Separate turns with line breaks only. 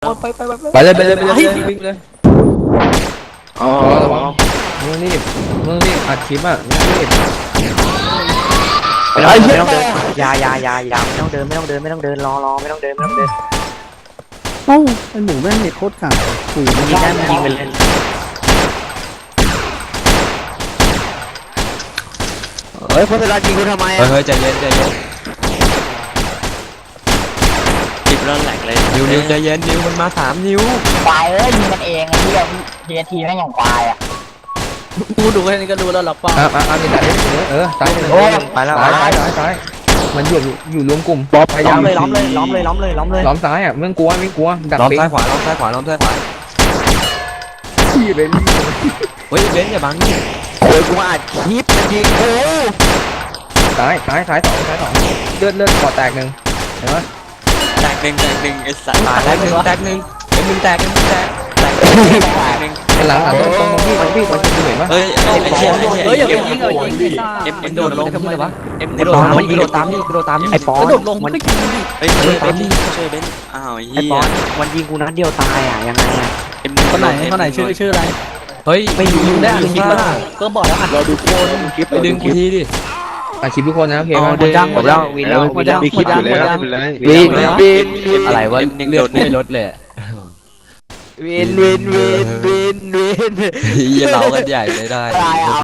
ไปเลยวิ่งเลยอ๋อระวังมึงรีบอัดคลิปอ่ะมึงรีบ
ไม่ต้องเดินอย่าไม่ต้องเดินรอไม่ต้องเดิน
เอ้าไอหมูแม่งเน็ตโคตรขาดขู่
ยิงได้มันยิงไปเลย
เฮ้ยโพสต์ยิงกูทำไมอ่ะ
เฮ้ยใจเย็น
จิบแล้วแหลกเลย
นิวใจเย็นนิวมันมา3 นิ้ว
ควายยิงกันเองไอ้ที่ทีแม่งอย่างควายอ่ะ
กูดูแค่นี้ก็ดูแล้วหลับเปล่า
มีแต่ตายไปแล้วตายมันอยู่รวมกลุ่มพยายาม
ล้อมเลย
ล้อมซ้ายอ่ะไม่กลัวดักล้อมซ้ายขวาล้อมซ้ายขวา
ขี้เลยนี่
เฮ้ยเบนอย่าบังนี่
เฮ้ยกูมาอัดคลิปมันยิงกู
ซ้าย2เลือดกอดแตก1เห็นไหม
แตกหนึ่งไอ้สัตว์
แตก1เป็น1แตก1
แตกหนึ่ง
หลังตรงพี่มันเห็นปะ
เฮ้ย
อย่าไปยิงดิ
เอ็มโดดลงทำไมวะเอ็ม
ไอ้ปอนมันยิงตามไอ้ปอน
กระโดดลงมันก็ยิงดิ
เฮ้ยช่วยเบนช่วยเบนอ้าว
ไอ้ปอนมันยิงกูนัดเดียวตายอ่ะยังไงอ่ะ
คนไหนชื่ออะไร
เฮ้ย
ไม่ยิง
ได้อัดคลิปแล้วก็บอกแล้วอัดเราดูโคนคลิป
ไปดึงกูทีดิอัดคลิปทุกคนนะโอเค
หมดแล้ววินแล้ว
มีคลิปอยู่แล้ว
วิน
อะไรวะเลือดไม่ลดเลยวินอย่าเล่ากันใหญ่เลยได้